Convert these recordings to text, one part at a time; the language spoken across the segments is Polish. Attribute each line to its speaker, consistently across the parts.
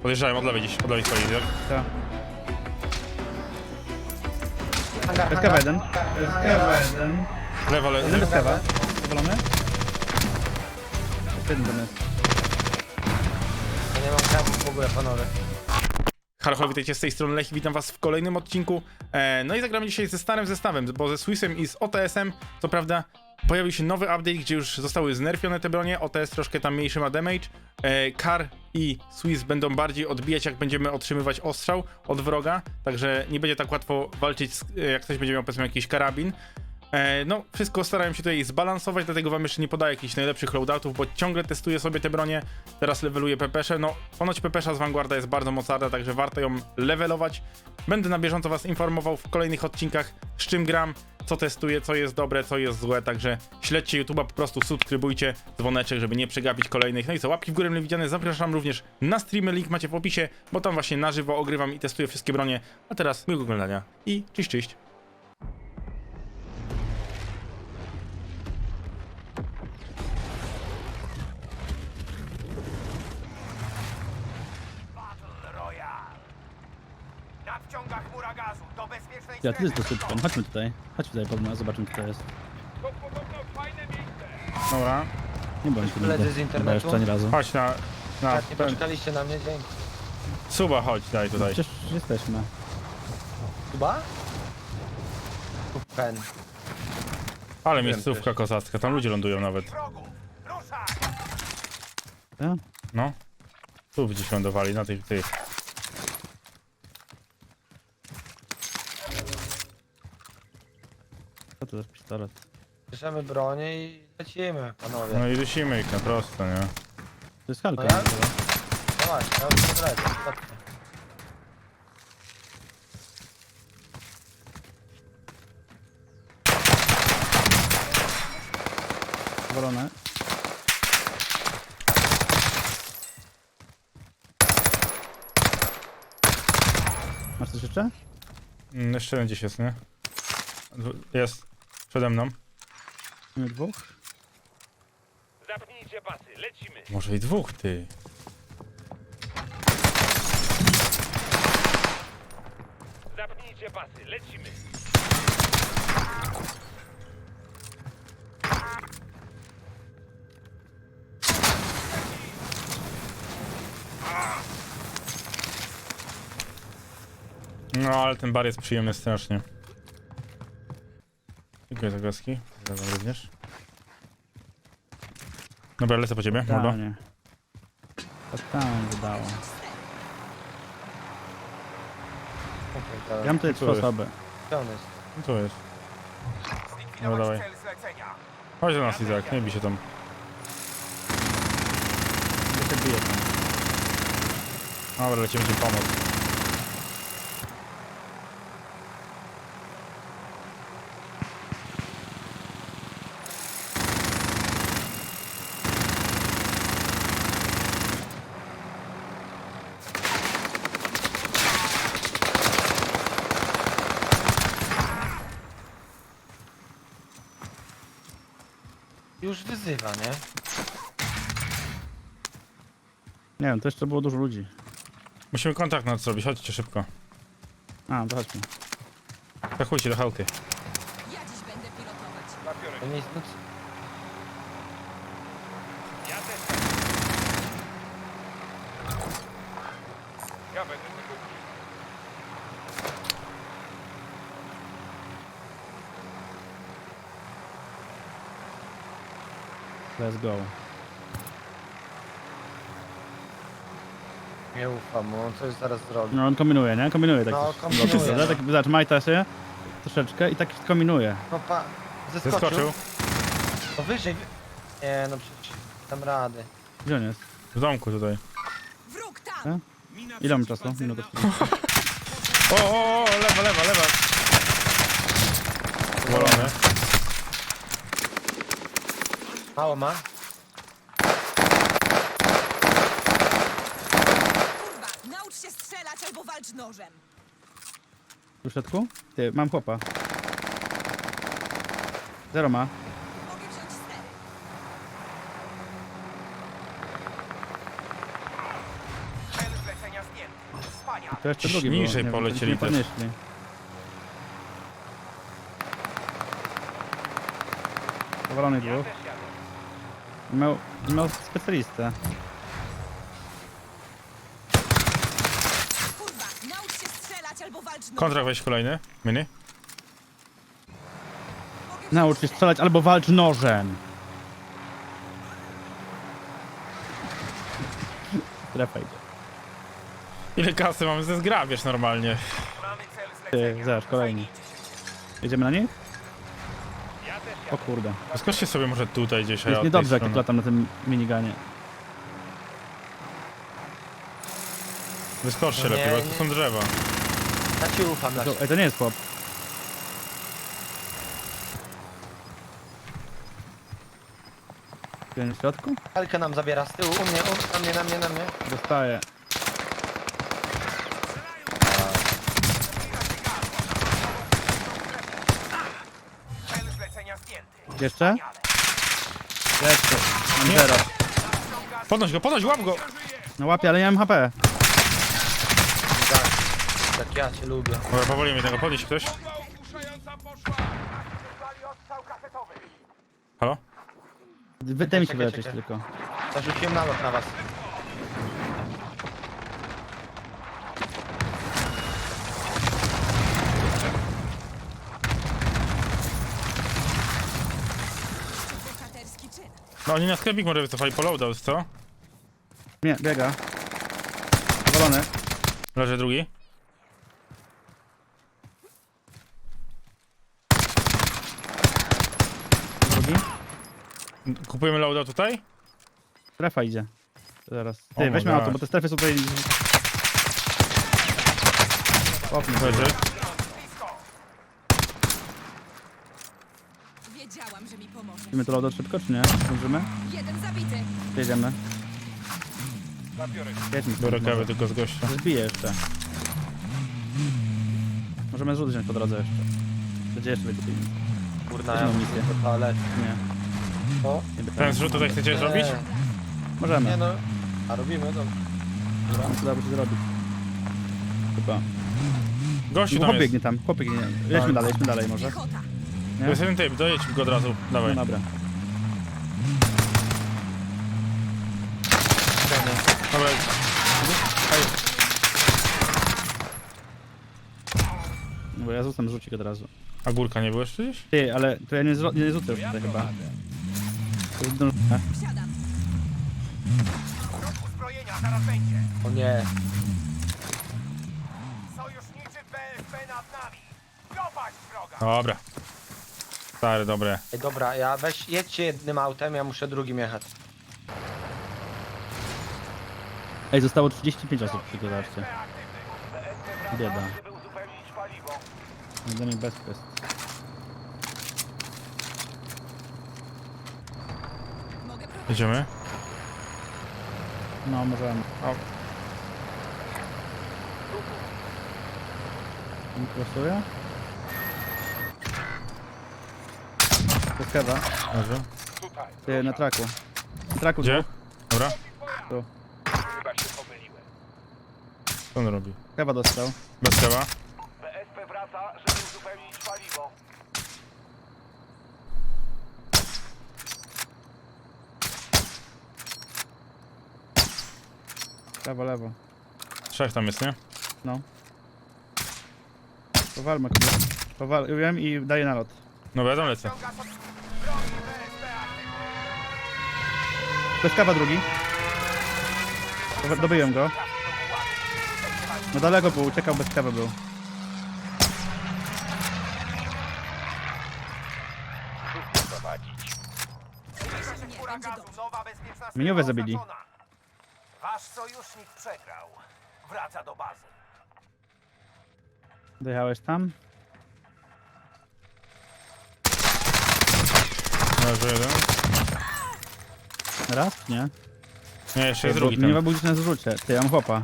Speaker 1: Podjeżdżałem od lewej gdzieś, od lewej swojej, tak?
Speaker 2: Tak.
Speaker 3: Hangar,
Speaker 2: Bez
Speaker 3: hangar.
Speaker 2: kawa jeden. Bez kawa jeden.
Speaker 1: Lewo,
Speaker 2: Jeden bez kawa. Powalony? Jeden tam jest.
Speaker 3: Ja nie mam kawy w ogóle, panowie.
Speaker 1: Halo, witajcie z tej strony Lech, witam was w kolejnym odcinku. No i zagramy dzisiaj ze starym zestawem, bo ze Swissem i z OTS-em, co prawda pojawił się nowy update, gdzie już zostały znerfione te bronie, OTS troszkę tam mniejszy ma damage, Kar i Swiss będą bardziej odbijać, jak będziemy otrzymywać ostrzał od wroga, także nie będzie tak łatwo walczyć, jak ktoś będzie miał powiedzmy jakiś karabin. No, wszystko starałem się tutaj zbalansować, dlatego wam jeszcze nie podaję jakichś najlepszych loadoutów, bo ciągle testuję sobie te bronie, teraz leveluję pepesze, no ponoć pepesza z Vanguarda jest bardzo mocarna, także warto ją levelować. Będę na bieżąco was informował w kolejnych odcinkach, z czym gram, co testuję, co jest dobre, co jest złe, także śledźcie YouTube'a, po prostu subskrybujcie, dzwoneczek, żeby nie przegapić kolejnych. No i co, łapki w górę mile widziane, zapraszam również na streamy, link macie w opisie, bo tam właśnie na żywo ogrywam i testuję wszystkie bronie. A teraz miłego oglądania i cześć, cześć.
Speaker 4: Na wciągach mura gazu, do bezpiecznej
Speaker 2: Ja, tu jest
Speaker 4: strefy.
Speaker 2: dosyć. Chodźmy tutaj. Chodźmy tutaj pod nas, zobaczymy co to jest.
Speaker 4: To podobno fajne miejsce.
Speaker 1: Dobra,
Speaker 2: Nie bądź tu
Speaker 3: Koledzy
Speaker 2: nigdy.
Speaker 3: z internetu?
Speaker 2: Chyba jeszcze ani razu.
Speaker 1: chodź na
Speaker 3: Tak, nie
Speaker 1: ten,
Speaker 3: poczekaliście na mnie, dzięki.
Speaker 1: suba, chodź, daj tutaj.
Speaker 2: Przecież jesteśmy.
Speaker 3: Chyba? Pen.
Speaker 1: Ale miejscówka kozacka, tam ludzie lądują nawet.
Speaker 4: Wrogów, ruszaj!
Speaker 2: Tak?
Speaker 1: No. Tu gdzieś lądowali, na tych.
Speaker 2: Co to za pistolet?
Speaker 3: Bierzemy bronię i lecimy, panowie.
Speaker 1: No i dusimy ich na prosto, nie?
Speaker 2: To jest halka.
Speaker 3: No ja? Dawaj, ja już nie wlecę, chodźcie.
Speaker 2: Powalone. Masz coś jeszcze?
Speaker 1: Jeszcze jeden gdzieś jest, nie? Jest. Przede mną.
Speaker 2: Nie dwóch?
Speaker 4: Zapnijcie pasy, lecimy.
Speaker 1: Może i dwóch, ty.
Speaker 4: Zapnijcie pasy, lecimy.
Speaker 1: No, ale ten bar jest przyjemny strasznie. Dziękuję za głaski. Zaraz również. Dobra, lecę po ciebie, mordo.
Speaker 2: Tak, nie. To tam wydało. Ja mam tutaj trzy
Speaker 1: Tu jest.
Speaker 2: osoby.
Speaker 3: Gdzie on jest?
Speaker 1: No tu jest.
Speaker 4: Zlikwidować
Speaker 1: dawaj.
Speaker 4: cel zlecenia.
Speaker 1: Chodź do nas, Izak, nie bij się tam.
Speaker 2: Ja się biję tam.
Speaker 1: Dobra, lecimy ci pomóc.
Speaker 3: Już wyzywa, nie?
Speaker 2: Nie wiem, to jeszcze było dużo ludzi.
Speaker 1: Musimy kontakt nad zrobić, chodźcie szybko.
Speaker 2: A, to chodźmy.
Speaker 1: Zachujcie do chałty.
Speaker 5: Ja dziś będę pilotować.
Speaker 4: Zabiorę.
Speaker 3: To nie jest nic.
Speaker 4: Ja też. Ja będę tego użył.
Speaker 2: Let's go.
Speaker 3: Nie ufam mu, on coś zaraz zrobi.
Speaker 2: No on kombinuje, nie? Kombinuje tak.
Speaker 3: No,
Speaker 2: coś.
Speaker 3: kombinuje,
Speaker 2: Lotysa,
Speaker 3: no.
Speaker 2: tak, zobacz, majta się troszeczkę i tak kombinuje.
Speaker 3: No pa... Zeskoczył.
Speaker 1: Zeskoczył.
Speaker 3: No wyżej, Nie, no przecież dam rady.
Speaker 2: Gdzie on jest?
Speaker 1: W domku tutaj.
Speaker 5: Wróg tam!
Speaker 2: E? Ile mam czasu? Minutę.
Speaker 1: O, lewa. Wolony.
Speaker 3: Mało ma?
Speaker 5: Kurwa, naucz się strzelać albo walcz nożem.
Speaker 2: Tu w środku? Ty, mam chłopa. Zero ma.
Speaker 5: Mogę wziąć stery.
Speaker 4: Cel zlecenia
Speaker 2: To jeszcze drugi był.
Speaker 1: Niżej
Speaker 2: Nie wiem,
Speaker 1: polecieli
Speaker 2: nie
Speaker 1: też.
Speaker 2: podnieśli. Powalony dwóch. Miał specjalistę.
Speaker 5: Kurwa, naucz się strzelać albo walcz nożem.
Speaker 1: Kontrakt weź kolejny. Mini.
Speaker 5: Mogę
Speaker 2: Naucz się strzelać albo walcz nożem. Strefa idzie.
Speaker 1: Ile kasy mamy ze zgrabiesz normalnie.
Speaker 4: Mamy cel
Speaker 2: Ty,
Speaker 4: zlecenia.
Speaker 2: zaraz, kolejni. Jedziemy na nich?
Speaker 4: Ja też
Speaker 2: O kurde.
Speaker 1: Skoczcie sobie może tutaj gdzieś. a ja
Speaker 2: Jest
Speaker 1: od tej
Speaker 2: niedobrze, jak
Speaker 1: strony.
Speaker 2: tu latam na tym miniganie.
Speaker 1: Wyskoczcie
Speaker 3: Nie,
Speaker 1: lepiej, bo
Speaker 3: nie.
Speaker 1: tu są drzewa.
Speaker 3: Ja ci ufam na
Speaker 2: Ej, to nie jest chłop. Jeden w środku?
Speaker 3: Helkę nam zabiera z tyłu, u mnie, na mnie.
Speaker 2: Dostaję.
Speaker 4: cel zlecenia zdjęty.
Speaker 2: Jeszcze? Jeszcze. Mam zero.
Speaker 1: Podnoś, łap go!
Speaker 2: No łapię, ale nie mam HP.
Speaker 3: Tak ja cię lubię.
Speaker 1: Dobra, powoli mnie tego, podnieś ktoś.
Speaker 4: Bomba ogłuszająca poszła. Wysłali odstrzał kasetowy.
Speaker 1: Halo?
Speaker 2: Daj mi się
Speaker 3: Czekaj,
Speaker 2: wyleczyć
Speaker 3: czekaj.
Speaker 2: tylko.
Speaker 3: Zarzuciłem nalot na was.
Speaker 5: bohaterski czyn.
Speaker 1: No oni na sklepik może wycofali po loadout, co?
Speaker 2: Nie, biega. Powalony.
Speaker 1: Leży drugi.
Speaker 2: Drugi.
Speaker 1: Kupujemy loadout tutaj?
Speaker 2: Strefa idzie. Zaraz.
Speaker 1: O
Speaker 2: Ty,
Speaker 1: my
Speaker 2: weźmy
Speaker 1: gosh.
Speaker 2: auto, bo te strefy są tutaj... Popnij,
Speaker 1: Leży.
Speaker 5: Wiedziałam, że mi pomoże.
Speaker 2: Idziemy to loadout szybko, czy nie? Zdążymy?
Speaker 5: Jeden zabity.
Speaker 2: Jedziemy.
Speaker 4: Zabiorę się.
Speaker 2: Jedźmy.
Speaker 1: Biorę kawę tylko z gościa.
Speaker 2: Zbiję jeszcze. Możemy zrzut wziąć po drodze jeszcze. Gdzie jeszcze będzie pieniądze?
Speaker 3: Kurna,
Speaker 2: Weźmy
Speaker 3: ja
Speaker 2: misję.
Speaker 3: muszę do toalety.
Speaker 2: Nie.
Speaker 3: O?
Speaker 2: Nie,
Speaker 1: Ten zrzut tutaj chcecie zrobić?
Speaker 2: Możemy.
Speaker 3: Nie no. A robimy, no.
Speaker 2: No to da się zrobić. Chyba.
Speaker 1: Gościu
Speaker 2: No,
Speaker 1: tam
Speaker 2: chłop
Speaker 1: jest.
Speaker 2: biegnie tam, chłop biegnie. Jedźmy dalej może.
Speaker 5: Piechota.
Speaker 1: To jest jeden typ, dojedź go od razu.
Speaker 2: No
Speaker 1: Dawaj.
Speaker 2: dobra.
Speaker 1: Dobra.
Speaker 2: No bo ja rzucam rzucik od razu.
Speaker 1: A górka nie było jeszcze gdzieś?
Speaker 2: Ty, ale to ja nie rzucę już tutaj chyba. To jest zdążone.
Speaker 5: Wsiadam.
Speaker 4: Wróg uzbrojenia zaraz będzie.
Speaker 3: O nie.
Speaker 4: Sojuszniczy BSP nad nami. Dopaść wroga.
Speaker 1: Dobra. Stary, dobre.
Speaker 3: Ej, dobra, ja jedźcie jednym autem, ja muszę drugim jechać.
Speaker 2: Ej, zostało 35 osób, tylko zobaczcie. Bieda.
Speaker 4: Żeby uzupełnić paliwo.
Speaker 2: Dla mnie bez kwestii.
Speaker 5: Mogę prowadzić.
Speaker 1: Jedziemy.
Speaker 2: No, możemy.
Speaker 1: O.
Speaker 2: Nie krosuje? To jest kewa.
Speaker 1: Dobrze.
Speaker 4: Tutaj.
Speaker 2: Ty, na traku. Na traku
Speaker 1: Gdzie?
Speaker 2: dwóch.
Speaker 1: Dobra.
Speaker 2: Tu.
Speaker 4: Chyba się pomyliłem.
Speaker 1: Co on robi?
Speaker 2: Kewa dostał.
Speaker 1: Bez kawa.
Speaker 4: BSP wraca, żeby uzupełnić paliwo.
Speaker 2: Lewo, lewo.
Speaker 1: Trzech tam jest, nie?
Speaker 2: No. Powalmy kogoś. Powaliłem i daję nalot.
Speaker 1: No ja tam lecę.
Speaker 4: Ściąga sobie broni BSP aktywny.
Speaker 2: To jest kawa drugi. Dobyłem go. No daleko był, uciekał bez kawy był.
Speaker 4: Prowadzić.
Speaker 5: Nie,
Speaker 4: Chmura
Speaker 5: będzie
Speaker 4: gazu,
Speaker 5: dobrze.
Speaker 4: nowa bezpieczna
Speaker 2: Miniowe
Speaker 4: strefa
Speaker 2: zabili.
Speaker 4: oznaczona. Wasz sojusznik przegrał. Wraca do bazy.
Speaker 2: Dojechałeś tam?
Speaker 1: Leży jeden.
Speaker 2: Raz? Nie.
Speaker 1: Nie, jeszcze jest
Speaker 2: Bo
Speaker 1: drugi
Speaker 2: nie ma
Speaker 1: ten.
Speaker 2: budzić na zrzucie. Ty, ja mam chłopa.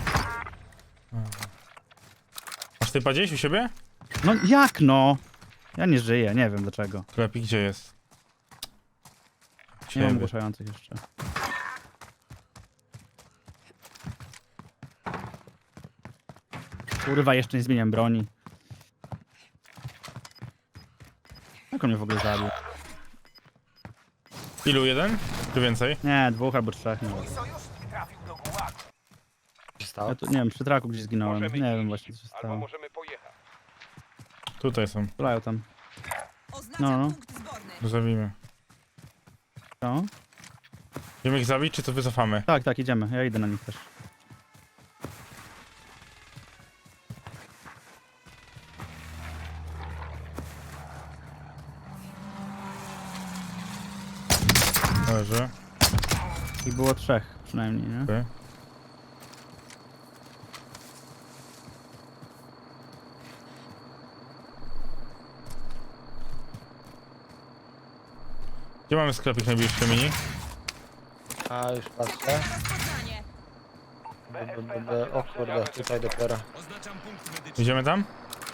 Speaker 1: Masz typa gdzieś u siebie?
Speaker 2: No jak no? Ja nie żyję, nie wiem dlaczego.
Speaker 1: Sklepik gdzie jest?
Speaker 2: Nie mam
Speaker 1: Ciebie.
Speaker 2: ogłuszających jeszcze. Kurwa, jeszcze nie zmieniam broni. Jak on mnie w ogóle zabił?
Speaker 1: Ilu? Jeden? Czy więcej?
Speaker 2: Nie, 2 albo 3. Nie,
Speaker 4: Mój sojusznik trafił do gułagu.
Speaker 3: Co się stało?
Speaker 2: ja tu, nie wiem, przy traku gdzieś zginąłem. Nie wiem właśnie co się stało.
Speaker 6: możemy pojechać.
Speaker 1: Tutaj są.
Speaker 2: Strzelają tam.
Speaker 5: Oznaczam
Speaker 2: No.
Speaker 5: punkt zborny.
Speaker 1: Zabijmy.
Speaker 2: Co?
Speaker 1: Wiemy ich zabić, czy to wycofamy?
Speaker 2: Tak, tak, idziemy. Ja idę na nich też.
Speaker 1: Dobrze.
Speaker 2: I było 3 przynajmniej, nie?
Speaker 1: Okej. Gdzie mamy sklepik najbliższy mini?
Speaker 3: A, już patrzę.
Speaker 5: Rozpoznanie.
Speaker 3: O kurde, tutaj dopiero.
Speaker 1: Idziemy tam?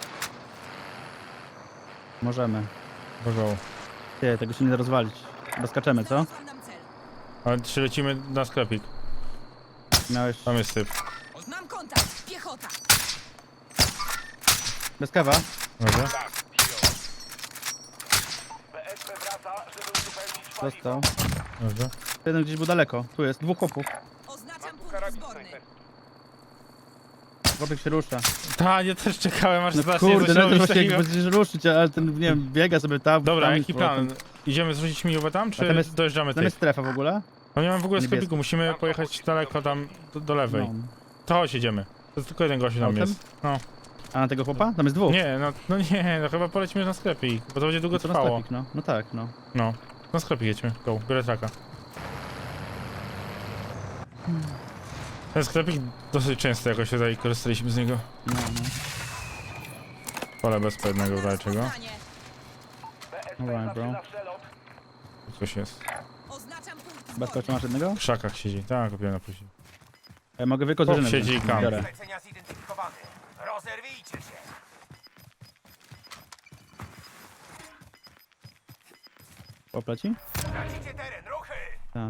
Speaker 2: Możemy.
Speaker 1: Bożą.
Speaker 2: Ty, tego się nie da rozwalić. Chyba skaczemy, co?
Speaker 5: Znalazłam nam cel.
Speaker 1: Ale czy lecimy na sklepik?
Speaker 2: Miałeś...
Speaker 1: Tam jest typ.
Speaker 5: Mam kontakt. Piechota.
Speaker 2: Bez kawa?
Speaker 1: Dobrze.
Speaker 4: BSP wraca, żeby uzupełnić paliwo.
Speaker 2: Dostał.
Speaker 1: Dobrze.
Speaker 2: Jeden gdzieś był daleko. Tu jest, 2 chłopów.
Speaker 5: Oznaczam punkt zborny.
Speaker 2: Chłopek się rusza.
Speaker 1: Ta, ja też czekałem aż
Speaker 2: No
Speaker 1: zacznie
Speaker 2: kurde,
Speaker 1: coś
Speaker 2: no to
Speaker 1: robić
Speaker 2: właśnie
Speaker 1: takiego.
Speaker 2: jak będziesz ruszyć, ale ten, nie wiem, biega sobie tam.
Speaker 1: Dobra,
Speaker 2: tam
Speaker 1: jaki
Speaker 2: z powrotem.
Speaker 1: plan? Idziemy zrzucić miniowe tam, czy
Speaker 2: A tam jest-
Speaker 1: dojeżdżamy
Speaker 2: Tam jest
Speaker 1: tych?
Speaker 2: strefa w ogóle?
Speaker 1: No nie mam w ogóle
Speaker 2: Niebieski.
Speaker 1: sklepiku, musimy pojechać daleko tam do lewej.
Speaker 2: No.
Speaker 1: To chodź, idziemy. To tylko jeden gościu tam
Speaker 2: Autem?
Speaker 1: jest. No.
Speaker 2: A na tego chłopa? Tam jest 2.
Speaker 1: Nie, no nie, no chyba polecimy na sklepik, bo to będzie długo
Speaker 2: No to na
Speaker 1: trwało.
Speaker 2: sklepik, no. No tak, no.
Speaker 1: No. Na sklepik jedźmy, go, biorę traka. Ten sklepik dosyć często jakoś tutaj korzystaliśmy z niego.
Speaker 2: No, no.
Speaker 1: Pole bez pewnego czego.
Speaker 5: Rozpoznanie.
Speaker 2: Alright, bro.
Speaker 4: Na przelot.
Speaker 1: Tu coś jest.
Speaker 5: Oznaczam punkt
Speaker 2: Bez
Speaker 5: zborny.
Speaker 2: końca masz jednego?
Speaker 1: W krzakach siedzi. Tak, kupiłem na później.
Speaker 2: Ja mogę wykość
Speaker 1: Chłop siedzi i kam.
Speaker 2: Biorę.
Speaker 4: Zlecenia zidentyfikowany. Rozerwijcie się.
Speaker 2: Popleci?
Speaker 4: Tracicie teren, ruchy.
Speaker 2: Tak.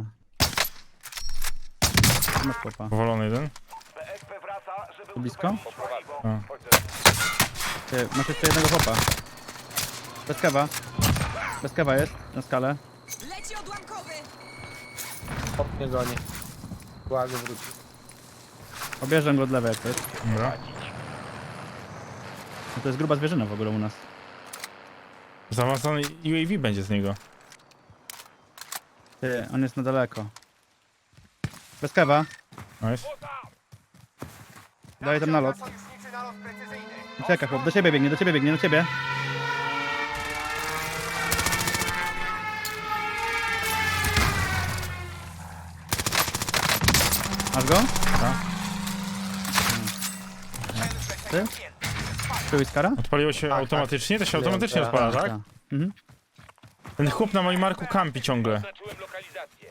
Speaker 2: Masz chłopa.
Speaker 1: Powolony jeden.
Speaker 4: BSP wraca, żeby
Speaker 2: Tu blisko?
Speaker 4: uzupełnić paliwo.
Speaker 1: A.
Speaker 2: Ty, masz jeszcze jednego chłopa. Bez kawa. Bez kawa jest na skalę.
Speaker 5: Leci odłamkowy.
Speaker 3: Hop mnie goni. Gułagu wróci.
Speaker 2: Obierzę go od lewej jak to jest.
Speaker 1: Dobra.
Speaker 2: No to jest gruba zwierzyna w ogóle u nas.
Speaker 1: Zaawansowany UAV będzie z niego.
Speaker 2: Ty, on jest na daleko. Bez kawa.
Speaker 1: Nice.
Speaker 2: Daję tam nalot.
Speaker 4: Sojuszniczy nalot precyzyjny.
Speaker 2: Czeka chłop, do ciebie biegnie, do ciebie. Masz go?
Speaker 1: Tak.
Speaker 2: Ty? Ty Whiskara?
Speaker 1: Odpaliło się
Speaker 3: Tak,
Speaker 1: automatycznie? To się automatycznie
Speaker 3: Tak,
Speaker 1: odpala, tak?
Speaker 2: Tak. Mhm.
Speaker 1: Ten chłop na moim marku kampi ciągle.
Speaker 6: Oznaczyłem lokalizację.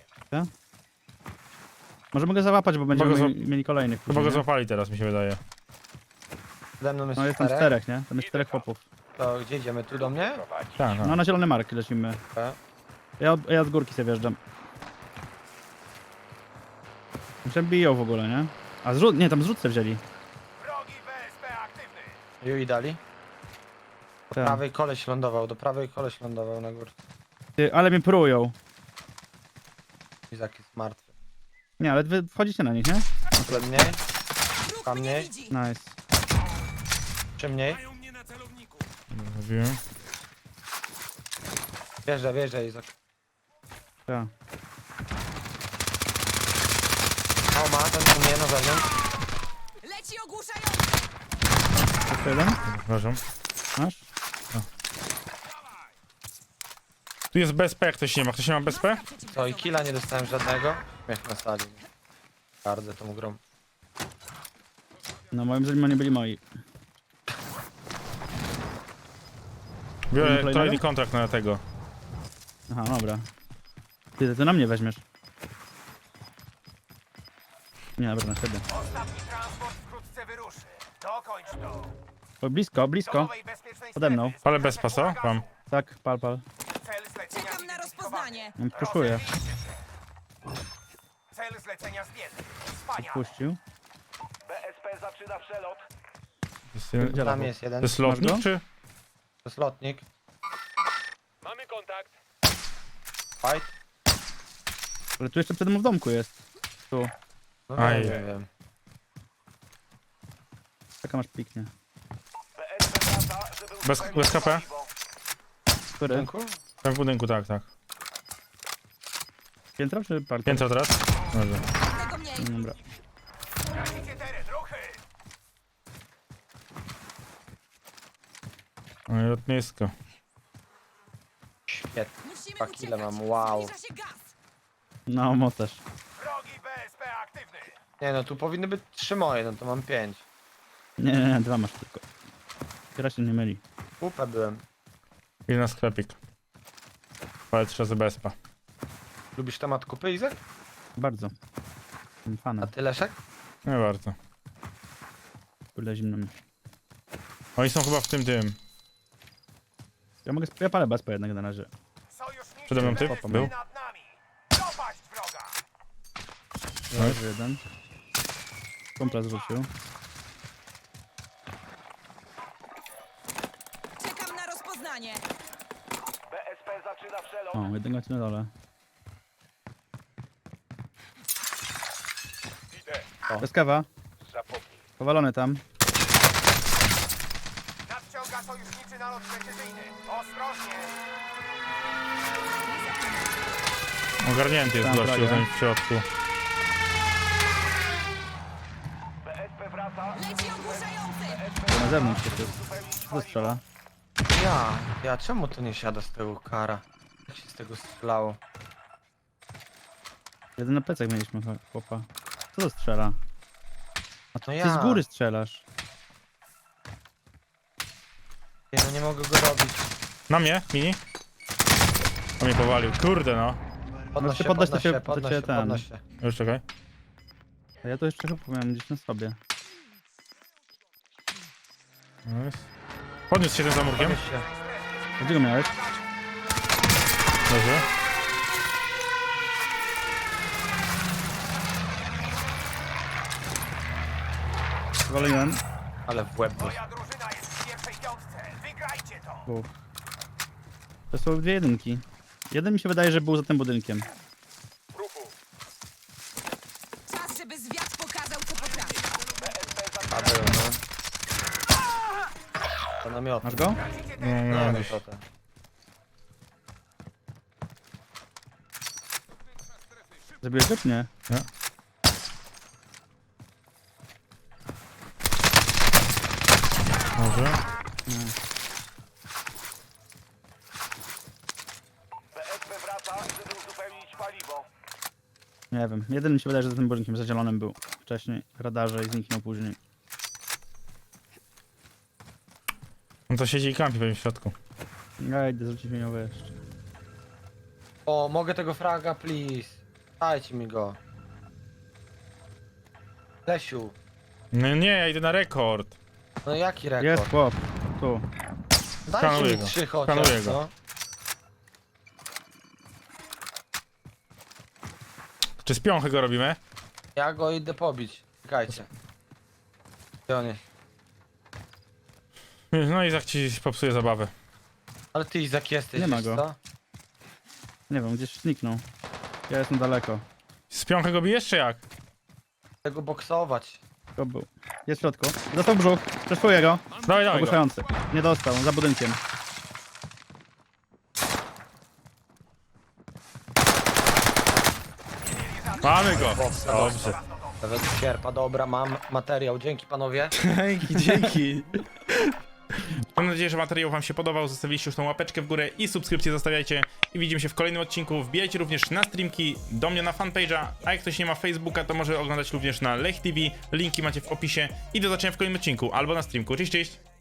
Speaker 2: Może mogę załapać, bo będziemy
Speaker 1: go
Speaker 2: mieli kolejnych.
Speaker 1: Chyba
Speaker 2: później,
Speaker 1: go
Speaker 2: nie?
Speaker 1: złapali teraz, mi się wydaje.
Speaker 3: Ze mną jest
Speaker 2: No jest tam 4, nie? Tam jest 4 chłopów.
Speaker 3: To gdzie idziemy? Tu do mnie?
Speaker 1: Tak, tak.
Speaker 2: No na zielony mark lecimy.
Speaker 3: Tak.
Speaker 2: Ja z górki sobie wjeżdżam. Się biją w ogóle, nie? A zrzut, nie, tam zrzutce wzięli.
Speaker 4: Wrogi BSP aktywny.
Speaker 3: Ju i dali. Do
Speaker 2: Tak.
Speaker 3: prawej koleś lądował na górce.
Speaker 2: Ty, ale mnie prują.
Speaker 3: Izak jest martwy.
Speaker 2: Nie, ale wy wchodzicie na nich, nie?
Speaker 3: Tyle mniej,
Speaker 5: Wróg
Speaker 3: Tam
Speaker 5: mnie
Speaker 3: nie?
Speaker 5: widzi.
Speaker 2: Nice.
Speaker 3: czy mniej?
Speaker 1: Mówiłem.
Speaker 3: Wjeżdżaj Izak.
Speaker 2: Tak.
Speaker 3: O, ma ten u mnie na zewnątrz.
Speaker 5: Leci ogłuszający.
Speaker 2: Jeszcze jeden?
Speaker 1: Przepraszam.
Speaker 2: Masz?
Speaker 1: Tu jest BSP, jak ktoś nie ma. Ktoś nie ma BSP?
Speaker 3: Co, i killa nie dostałem żadnego? Śmiech na sali. Gardzę tą grą.
Speaker 2: No moim zdaniem oni byli moi.
Speaker 1: Biorę
Speaker 2: Kolejnego?
Speaker 1: kolejny kontrakt na tego.
Speaker 2: Aha, dobra. Ty na mnie weźmiesz. Nie, dobra, na siebie.
Speaker 4: Ostatni transport wkrótce wyruszy. Dokończ to.
Speaker 2: O, blisko, blisko.
Speaker 4: Nowej bezpiecznej
Speaker 2: Pode mną.
Speaker 4: strefy.
Speaker 1: Ale bez pasa? Wam.
Speaker 2: Tak, pal.
Speaker 4: Cel zlecenia
Speaker 5: Czekam na rozpoznanie.
Speaker 2: Puszuję.
Speaker 4: Cel zlecenia zdjęty. Wspaniale.
Speaker 2: Puścił.
Speaker 4: BSP zaczyna przelot.
Speaker 3: Tam jest
Speaker 1: To
Speaker 3: jeden.
Speaker 1: jest lotnik,
Speaker 2: Masz go?
Speaker 1: czy?
Speaker 3: To jest lotnik.
Speaker 6: Mamy kontakt.
Speaker 3: Fight.
Speaker 2: Ale tu jeszcze przede mną w domku jest. Tu.
Speaker 3: No
Speaker 1: Aj.
Speaker 3: nie wiem.
Speaker 2: Czeka masz piknie.
Speaker 4: BSP wraca, żeby
Speaker 1: Bez
Speaker 4: uzupełnić
Speaker 1: KP?
Speaker 4: paliwo.
Speaker 2: Który?
Speaker 3: Rynku?
Speaker 1: Tam w budynku, tak, tak.
Speaker 2: Piętro czy parter?
Speaker 1: Piętro teraz? Dobrze.
Speaker 5: Tego mniej.
Speaker 2: Dobra.
Speaker 4: Tracicie teren, ruchy.
Speaker 1: No i lotnisko.
Speaker 3: Świetnie.
Speaker 5: Musimy
Speaker 3: Tak, ile
Speaker 5: uciekać.
Speaker 3: mam? Wow.
Speaker 5: Zbliża się gaz.
Speaker 2: No, mocarz.
Speaker 4: Wrogi BSP aktywny.
Speaker 3: Nie no, tu powinny być 3 moje, no to mam 5.
Speaker 2: Nie, 2 masz tylko. Teraz się nie myli.
Speaker 3: Kupę byłem.
Speaker 1: I na sklepik. Ale 3 razy BSP.
Speaker 3: Lubisz temat kupy, Izek?
Speaker 2: Bardzo. Jestem
Speaker 3: A
Speaker 2: fanem.
Speaker 3: ty, Leszek?
Speaker 1: Nie bardzo.
Speaker 2: Kurde zimno mi.
Speaker 1: Oni są chyba w tym.
Speaker 2: Ja palę bezpo jednak na razie.
Speaker 4: Sojuszniczy
Speaker 1: Przede mną ty?
Speaker 4: BSP
Speaker 1: Był?
Speaker 4: nad nami. Dopaść wroga.
Speaker 2: Leży jeden. Komplet zrzucił.
Speaker 5: Czekam na rozpoznanie.
Speaker 4: BSP zaczyna przelot.
Speaker 2: O, jednego ci na dole.
Speaker 6: Idę.
Speaker 2: Bez kawa.
Speaker 6: Zapomnij.
Speaker 2: Powalony tam.
Speaker 4: Nadciąga sojuszniczy nalot precyzyjny. Ostrożnie.
Speaker 1: Ogarnięty jest
Speaker 2: Tam
Speaker 1: gościu
Speaker 2: prawie.
Speaker 1: tam w środku.
Speaker 4: BSP wraca.
Speaker 5: Leci ogłuszający.
Speaker 2: Na zewnątrz się tu. Co strzela?
Speaker 3: Czemu to nie siada z tego kara? Jak się z tego strzelało?
Speaker 2: Jeden na plecach mieliśmy chłopa. Co to strzela? A
Speaker 3: No
Speaker 2: ty
Speaker 3: ja.
Speaker 2: z góry strzelasz.
Speaker 3: Nie, no nie mogę go robić.
Speaker 1: Na mnie, mini? On mnie powalił. Kurde no.
Speaker 3: Podnoś się,
Speaker 2: podnoś
Speaker 3: podnoś
Speaker 2: się,
Speaker 3: się,
Speaker 2: to
Speaker 3: podnoś
Speaker 2: cię
Speaker 3: się,
Speaker 2: ten.
Speaker 3: podnoś się.
Speaker 1: Już czekaj.
Speaker 2: A ja to jeszcze chyba miałem gdzieś na sobie.
Speaker 1: Nice. Podniósł się tym za murkiem.
Speaker 3: Podnoś się.
Speaker 2: Gdzie go miałeś?
Speaker 1: Dobrze.
Speaker 2: Waliłem.
Speaker 3: Ale w łeb dostał.
Speaker 4: Moja drużyna jest w pierwszej piątce. Wygrajcie to.
Speaker 2: Dwóch. To są dwie jedynki. Jeden mi się wydaje, że był za tym budynkiem.
Speaker 6: Ruchu.
Speaker 5: Czas, żeby zwiat pokazał, co potrafi.
Speaker 3: A był, no. To namiot.
Speaker 2: Masz go?
Speaker 1: No,
Speaker 3: Nie,
Speaker 1: no,
Speaker 3: no to ten.
Speaker 2: Zabiłeś go czy nie?
Speaker 1: Nie. Może.
Speaker 4: BSP wraca, żeby uzupełnić paliwo.
Speaker 2: Nie wiem. Jeden mi się wydaje, że za tym budynkiem, za zielonym był wcześniej w radarze i zniknął później.
Speaker 1: On to siedzi i kampi pewnie w środku.
Speaker 2: Ja idę zwrócić miniowe jeszcze.
Speaker 3: O, mogę tego fraga, please. Dajcie mi go. Lesiu.
Speaker 1: No nie, ja idę na rekord.
Speaker 3: No jaki rekord?
Speaker 2: Jest chłop. Tu.
Speaker 3: Dajcie
Speaker 1: Skanuję
Speaker 3: mi
Speaker 1: go.
Speaker 3: 3 chociaż,
Speaker 1: Skanuję go.
Speaker 3: no.
Speaker 1: Czy z piąchy go robimy?
Speaker 3: Ja go idę pobić. Czekajcie. Gdzie on jest?
Speaker 1: No i tak ci popsuje zabawę.
Speaker 3: Ale ty, Izak, jesteś,
Speaker 2: Nie ma
Speaker 3: wiesz
Speaker 2: go.
Speaker 3: co?
Speaker 2: Nie wiem, gdzieś zniknął. Ja jestem daleko.
Speaker 1: Z piąchy go bijesz czy jak?
Speaker 3: Chcę go boksować.
Speaker 2: To był. Jest w środku. Dostał brzuch. Testuję go.
Speaker 1: Dawaj, dawaj go.
Speaker 2: Ogłuszający. Nie dostał, za budynkiem.
Speaker 1: Mamy go. Dobrze.
Speaker 3: Nawet sierpa, dobra, mam materiał. Dzięki, panowie.
Speaker 1: Dzięki, dzięki. Mam nadzieję, że materiał wam się podobał. Zostawiliście już tą łapeczkę w górę i subskrypcję zostawiajcie. I widzimy się w kolejnym odcinku. Wbijajcie również na streamki, do mnie na fanpage'a. A jak ktoś nie ma Facebooka, to może oglądać również na Lech TV. Linki macie w opisie. I do zobaczenia w kolejnym odcinku albo na streamku. Cześć, cześć.